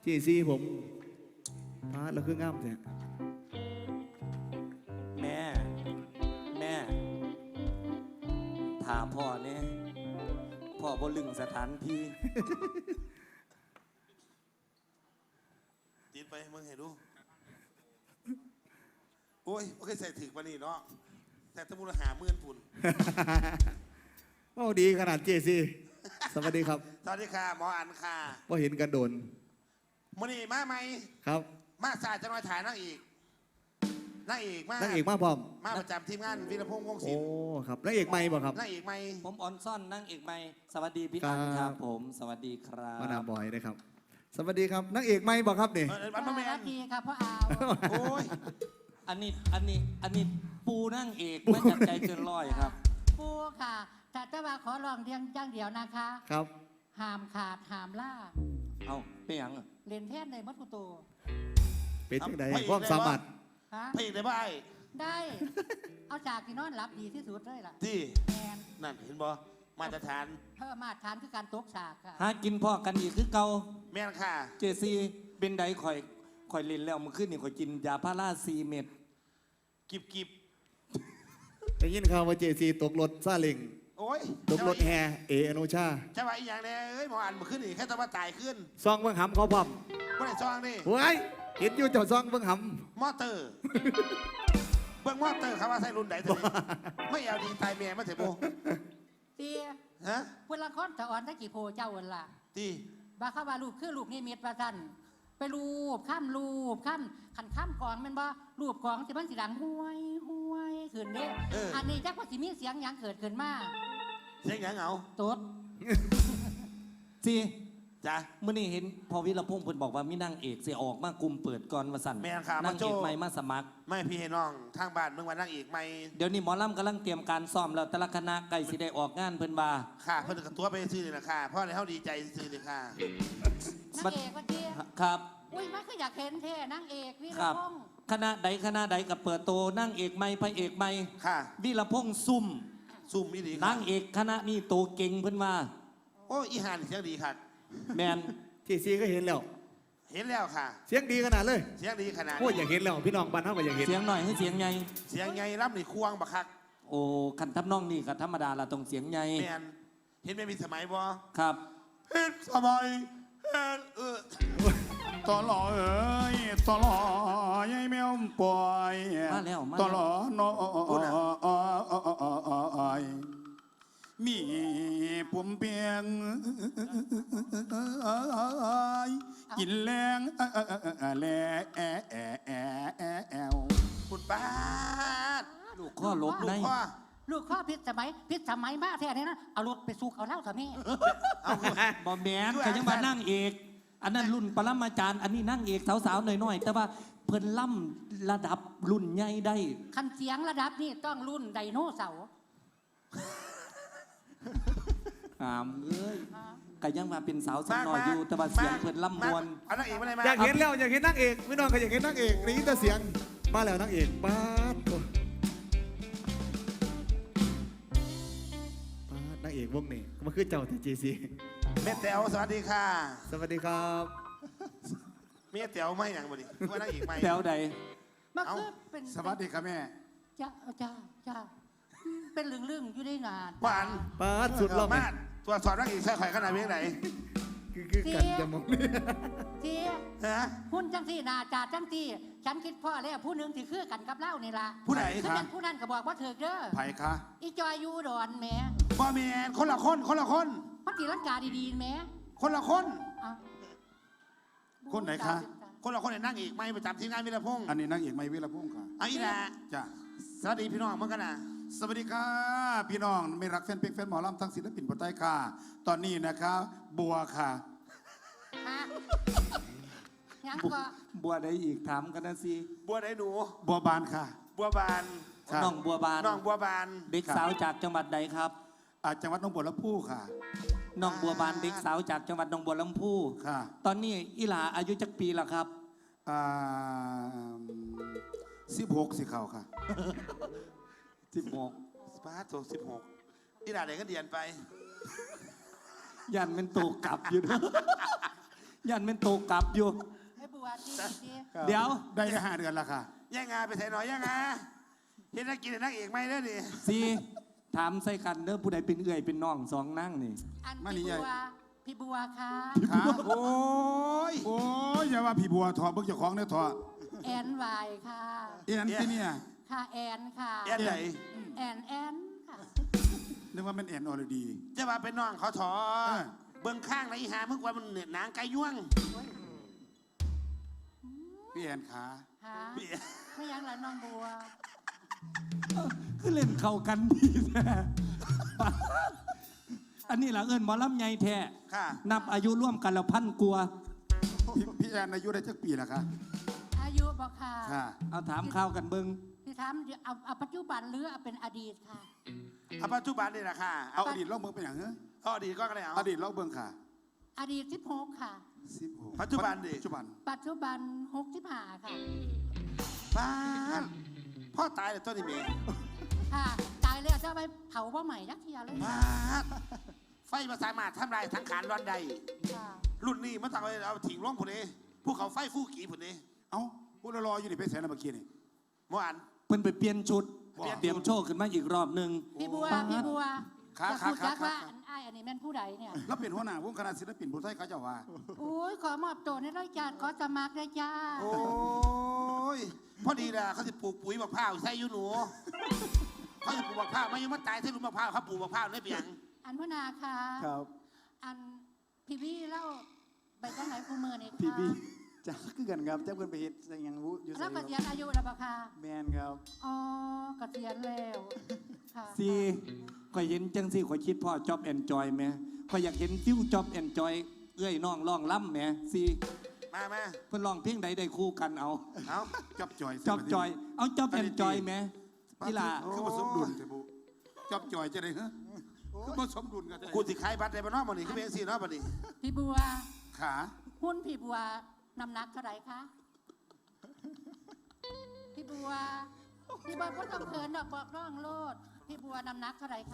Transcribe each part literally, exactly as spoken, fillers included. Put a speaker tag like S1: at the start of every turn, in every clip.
S1: จีซีผมพาเราคืองามแท้
S2: แม่แม่ถามพ่อเนี่ยพ่อบ่ลึงสถานที่
S3: ติดไปมึงเห็นดูโอ้ยโอเคใส่ถึกปะนี่เนาะแต่ตะมูลหาเมื่อนปุ่น
S1: โอ้ดีขนาดเจซีสวัสดีครับ
S3: สวัสดีค่ะหมออันค่ะ
S1: ว่าเห็นกันโดน
S3: มื่อนี้มาไหม
S1: ครับ
S3: มาสายจะน้อยถ่ายนั่งอีกนั่งอีกมา
S1: นักเอกมาพร้อม
S3: มาประจำทีมงานวีรพงษ์วงศิ
S1: โอ้
S3: ลป์
S1: ครับนักเอกไม่บ่ครับ
S3: นั่งอีกไหม
S2: ผมออนซ่อนนั่งเอกไม่สวัสดีพี่
S1: ครั
S2: อั
S1: บ
S2: นครับผมสวัสดีครับ
S1: มานาบอยนะครับ สวัสดีครับนักเอกไม่บ่ครับนี่
S3: เออวันมาแม
S4: สวัน สดีครับพ่ออาว
S3: โอ้ย
S2: อันนี้อันนี้อันนี้ปูนั่งเอกไม่จัดใจเกินร้อยครับ
S4: ปูค่ะ แต่จะมาขอลองเรียงจ้างเดียวนะคะ
S1: ครับ
S4: ห้ามขาดห้ามล่า
S2: เอาเป็นหยังอะ
S4: เล่นแท่นในมัดกุโต
S1: เป็นจังไดความสามารถ
S4: ฮะ
S3: พระเอกได้ป่ะไอ้
S4: ได้ เอาจากที่นอนหลับดีที่สุดเลยล่ะ
S3: ที่
S4: แมน
S3: นั่นเห็นบ่มาตรฐาน
S4: เพิ่มมาตรฐานคือการตกฉากค่ะ
S2: หากินพ่อกันอีกคือเก่า
S3: แม่นค่ะ
S2: เจซีเป็นไดข่อยข่อยเล่นแล้วมันขึ้นนี่ข่อยกินยาพาราซีเม็ด
S3: กิบกิบ
S1: ได้ยินข่าวว่าเจซีตกรถซาเล็ง
S3: โอ้ย
S1: ตกรถแฮเออนุชา
S3: จะว่าอีกอย่างเนี่ยเอ้ยหมออันมาขึ้นอีกแค่ตะวันตายขึ้น
S1: ซองเบิ่งหำเขาพร้อม
S3: เมื่อไหร่ซองนี่
S1: เฮ้ยเห็นอยู่เจ้าซองเบิ่งห
S3: มอเตอร์ เบิ่งมอเตอร์ครับว่าใส่รุ่นไหนตัวนี้ไม่เอาดีตายเมียมาเถอะโบ
S4: เตี้ย
S3: ฮะ
S4: เวลาค้อนตะอ่อนตะกี่โพเจ้าเวล่ะ
S3: ตี
S4: บาเข้าว่าลูกคือลูกนี่มีดประทันไปรูปข้ามรูปข้ามขันข้ามกองแมันบ่รูปกองที่มันสีดังห้วยห้วยขึ้นเด้อันนี้จักว่าสิมีเสียงหยังเกิดขึ้นมา
S3: เสียงหยังเอา
S4: ตด
S2: ซี
S3: จ้ะ
S2: เมื่อนี้เห็นพอวิรพงษ์เพิ่นบอกว่ามีนางเอกเสียออกมากลุ่มเปิดก่อนมาสั่น
S3: แม่นค่ะ
S2: นาง
S3: มาโจ้
S2: เอกใหม่มาสมัคร
S3: ไม่พี่ให้น้องทางบ้านเมื่อวันนั่งอีกไม่
S2: เดี๋ยวนี้หมอลำกำลังเตรียมการซ้อมแล้วแต่ละคณะใกล้สิได้ออกงานเพิ่นว่า
S3: ค่ะเพิ่นกับตัวไปซื้อนี่แหละค่ะเพราะในเขาดีใจซื้อเลยค่ะ
S4: นางเอกว่าเตี้ย
S2: ครับ
S4: อุ้ยมันก็อยากเห็นเท่นางเอกวิ
S2: ค
S4: ร
S2: รับ
S4: พงษ์
S2: คณะใดคณะใดกับเปิดโตนางเอกใหม่พระเอกใหม่
S3: ค่ะ
S2: วิรพงษ์ซุ่ม
S3: ซุ่มอีดี
S2: นางเอกคณะนี้โตเก่งเพิ่นว่า
S3: โอ้ยอีหานเสียงดีค่ะ
S2: แมน
S1: ำเจซีก็เห็นแล้ว
S3: เห็นแล้วค่ะ
S1: เสียงดีขนาดเลย
S3: เสียงดีขนาด
S1: โอ้ยอยากเห็นแล้วพี่น้องบ้านเฮาก็อยากเห็น
S2: เสียงหน่อยให้เสียงใหญ่
S3: เสียงไงรับนี่ควงบักคัก
S2: โอ้คันทับน้องนี่ก็ธรรมดาละต้องเสียงใหญ่
S3: แมนเห็นไม่มีสมัยบ่
S2: ครับ
S3: เฮ็ดสมัยเฮ็ดเออ
S5: ตลอเอ้ยตลอยายแมวปล่อย
S2: มาแล้วมาแล้ว
S5: ตลอน้อยมีผมเพียงกินแรงแลแอว
S3: คุณป้าด
S2: ลูกข้อลบ
S3: ลู
S2: ใน
S3: กพ่อ
S4: ลูกข้อพิษสมัยพิษสมัยมากแท้เนี่ยนะเอารถไปสุกเอาเหล้าเถอะแม่
S3: เอา
S2: บอแมนก็ยังมานั่งเอก อันนั้นรุ่นปรมาจารย์อันนี้นั่งเอกสาวๆหน่อยๆแต่ว่าเพิ่นล่ำระดับรุ่นใหญ่ได้
S4: คันเสียงระดับนี่ต้องรุ่นไดโนเสาร์
S2: หามเอ้ยก็ยังมาเป็นสาวสาวน้อยอยู่แต่ว่าเสียงเพิ่นล่ำมวน
S3: เอานักเอกมาเลยมา
S1: อยากเห็นแล้วอยากเห็นนางเอกพี่น้องก็อยากเห็นนางเอกนี่แต่เสียงมาแล้วนางเอกป้าดโอ้ป้าดนางเอกวงนี้ก็มาคือเจ้าที่เจซี
S3: แม่แต๋วสวัสดีค่ะ
S1: สวัสดีครับ
S3: แม่แต๋วไม่หยังบ่ดิว่านักเอกไม่
S2: แถวใด
S4: มัน
S3: เอ้า
S4: คือเป็น
S5: สวัสดีครับแม่
S4: จ้าจ้าจ้าเป็นเรื่องๆอยู่ได้นาน
S3: หวาน
S1: ป้าดสุดรอบ
S3: มาดตัวสอบนักเอกใส่ข่อยขนาดเพียงไหน
S1: คือคือกันจะมองนี่
S4: เจี๊ย
S3: ฮะ
S4: หุ่นจังที่นาจาจังที่ฉันคิดพ่อแล้วผู้หนึงที่คือกันกับเล่านี่ล่ะ
S3: ผู้ไหน
S4: ซึ่ง
S3: คะ
S4: เป็นผู้นั้นก็บอกว่าเถิกเด้อ
S5: ไผ่คะ
S4: อีจอยอยูอุดอนแหม่
S3: บ่แมนคนละคนคนละคน
S4: พัตีลังกาดีๆแหม่
S3: คนละคน
S4: เอา
S5: คนไหนคะ
S3: คนละคนเนี่ยนั่งอีกไม่ประจำทีมงานวิรพงษ์
S5: อันนี้นางเอกไม่วิรพุ่งค่ะ
S3: เอาอีแหละ
S5: จ้ะ
S3: สวัสดีพี่น้องเมื่อกันนะ
S5: สวัสดีค่ะพี่น้องไม่รักแฟนเพลงแฟนหมอลำทั้งศิลปินบนใต้ค่ะ ตอนนี้นะคะบัวค่ะ
S4: ฮะยังก็
S2: บัวได้อีกถามกันนะสิ
S3: บัวไหนหนู
S5: บัวบานค่ะ
S3: บัวบาน
S5: ครับ
S2: น้องบัวบาน
S3: น้องบัวบาน
S2: เด็กสาวจากจังหวัดใดครับ
S5: อ่าจังหวัดหนองบัวลำพูค่ะ
S2: น้องบัวบานเด็กสาวจากจังหวัดหนองบัวลำพู
S5: ค่ะ
S2: ตอนนี้อีหลาอายุจักปีละครับ
S5: อ่าสิบหกสิเขาค่ะ
S2: สิบหก
S3: สปาร์ตสิบหกอีด่าไหนก็เดียนไป
S2: ยันเป็นตูกลับอยู่นะยันเป็นโตกลับอยู่
S4: ให้บัวที่ที่
S2: เดี๋ยว
S5: ได้แค่ห้าเดือนละค่ะ
S3: ย่างงาไปใส่หน่อยย่างงาเห็นนักกินนักเอกไหมเด้อดิ
S2: สีถามใส่กันเด้อผู้ใดเป็นเอื่อยเป็นน้องสองนั่งนี่
S4: อัน
S5: มานี่
S4: พี่
S5: ใหญ่
S4: บัวพี่บัวค่ะ
S5: ค่ะ
S3: โอ้ย
S5: โอ้ยอย่าว่าพี่บัวถอดเบิกเจ้าของเนี่ยถอด
S4: แอนวายค่ะ
S5: เอ็นที่เนี่ย
S4: ค่ะแอนค่ะ
S3: แอนไหน
S4: แอนแอนค่ะ
S5: นึกว่าเป็นเอ็นออร์ดี
S3: จะมาเป็นน้องเขาถอ
S5: เออ
S3: เบื้องข้างไหนหามึงว่ามันเหนือหนางไก่ย่วง
S5: พี่แอนขา
S4: หาไม่ยังละน้องบัว
S2: คือเล่นเข้ากันดีแท้อันนี้ล่ะเอิ้นหมอลำใหญ่แท้
S3: ค่ะ
S2: นับอายุร่วมกันแล้วพันกว่า
S5: พี่พี่แอนอายุได้จักปีละคะ
S4: อายุบอกค่ะ
S5: ค่ะ
S2: เอาถามข้าวกันเบิ่ง
S4: พี่ถามเดี๋ยวเอาเอาปัจจุบันหรือเอาเป็นอดีตค่ะ
S3: เอาปัจจุบันนี่แหละค่ะ
S5: เอาอดีตเล่าเบิ่งเป็นอย่างเงี้ย
S3: เอาอดีตก็ได้เอา
S5: อดีตเล่าเบิ่งค่ะ
S4: อดีตสิบหกค่ะ
S5: สิบหก
S3: ปัจจุบันดิ
S5: ปัจจุบัน
S4: ปัจจุบันหกสิบห้าค่ะ
S3: บ้านพ่อตายเลยต้นนี่เมย์
S4: ค่ะตายแล้วจะเอาไปเผาว่าใหม่ยักษ์เทียเลย
S3: บ้านไฟมาสามารถทำลายทั้งขานร้อนใด
S4: ค่ะ
S3: รุ่นนี้มันต้องเอาเอาถิ่งร่องผุนเองภูเขาไฟฟูกี่ผุนเอง
S5: เอ้าพูดรออยู่นี่ไปแสนเมื่อกี้นี่
S3: เมื่อวาน
S2: เพิ่นไปเปลี่ยนชุด
S3: เปลี่ยนชุด
S2: เตรียมโชว์ขึ้นมาอีกรอบหนึ่ง
S4: พี่บัว
S2: ปาด
S4: พี่บัว
S5: ขา
S4: จะ
S5: ขา
S4: พูด
S5: ขา
S4: จัก
S5: ขา
S4: ว่าอันอ้ายอันนี้แม่นผู้ใดเนี่ย
S5: แล้วเป็นหัวหน้าวงคณะศิลปินผู้ไทยเขาเจะว่า
S4: โอ้ยขอมอบตัวในรายการขอสมัครเลยจ้า
S3: โอ้ยพอดีนะเขาจะปลูกปุ๋ยมะพร้าวใส่อยูหนูเขาจะปลูกมะพร้าวไม่ยังมาตายใส่ลูกมะพร้าวเขาปลูกมะพร้าวได้เปียง
S4: อันพนาค่ะ
S6: ครับ
S4: อันพี่พี่เล่าไปจังไหนคูมือนี่ค่ะ
S6: พี่พี่จ้าคือกันครับจ้าเพื่อนไปเฮ็ดอยังรู้อยู่ใส่
S4: แล้ว
S6: ค
S4: เก
S6: รับ
S4: ษียณอายุแล้วปะคะ
S6: แมนครับ
S4: อ๋อเกษียณแล้วค่ะ
S2: สีข่อยเห็นจังสิข่อยคิดพ่อจ็อบแอนจอยไหมข่อยอยากเห็นฟิวจ็อบแอนจอยเอ้ยน้องร้องล่ำแหมสี
S3: มามา
S2: เพิ่นร้องเพลงใดได้คู่กันเอา
S3: เอา
S5: จับจอย
S2: จ็อบจอย เอาจ็อบแอนจอยไหมกีฬา
S5: คือผสมดุลเถอะบุจับจอยจะได้เหรอคือผสมดุลกันได้
S3: กูสิขายบัตรได้บ้านนอกมันนี่คือเป็นสี่เนาะบันนี้
S4: พี่บัว
S5: ขา
S4: หุ้นพี่บัวน้ำหนักเท่าไหร่คะพี่บัวพี่บัวก็ต้องเขินดอกบอกน้องโลดพี่บัวน้ำหนักเท่าไหร่คะ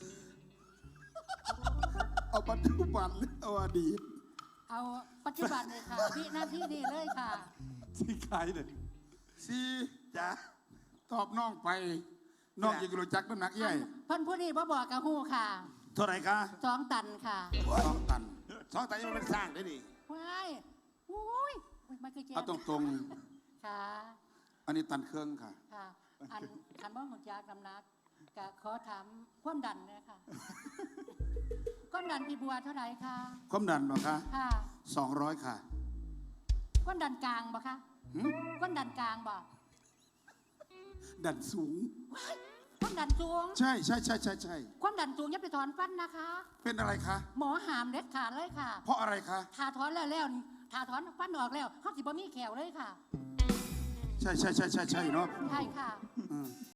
S5: เอาปัจจุบันหรือเอาอดีต
S4: เอาปัจจุบันเลยค่ะพี่หน้าที่นี่เลยค่ะ
S2: สีขายเลย
S5: สี่
S3: จ้า
S5: ตอบน้องไปน้องยังรู้จักน้ำหนักใหญ่
S4: เพิ่นผู้นี้บ่บอกกับฮู้ค่ะ
S3: เท่าไหร่คะ
S4: สองตันค่ะ
S5: สองตัน
S3: สองตายมันเป็นสร้างได้ดิ
S4: ว้ายโอ้ยอุ๊ยมันคือแจ๊
S5: เอาตรง
S4: ค่ะ
S5: ๆอันนี้ตันเครื่องค่ะ
S4: ค่ะ อันคันบ่หุ่นจากน้ำหนักก็ขอถามความดันเลยค่ะความดันพี่บัวเท่าไหร่คะ
S5: ความดันบ่คะ
S4: ค่ะ
S5: สองร้อยค่ะ
S4: ความดันกลางบ่คะ
S5: หึ
S4: ความดันกลางบ่
S5: ดันสูง
S4: ความดันสูง
S5: ใช่ใช่ใช่ใช่ใช่
S4: ความดันสูงอย่าไปถอนฟันนะคะ
S5: เป็นอะไรคะ
S4: หมอหามเด็ดขาดเลยค่ะ
S5: เพราะอะไรคะ
S4: ถ้าถอนแล้วแล้วถ้าถอนฟันออกแล้วเขาสิบ่มีแขวเลยค่ะ
S5: ใช่ใช่ใช่ใช่ใช่เนาะ
S4: ใช่ค่ะ
S5: อืม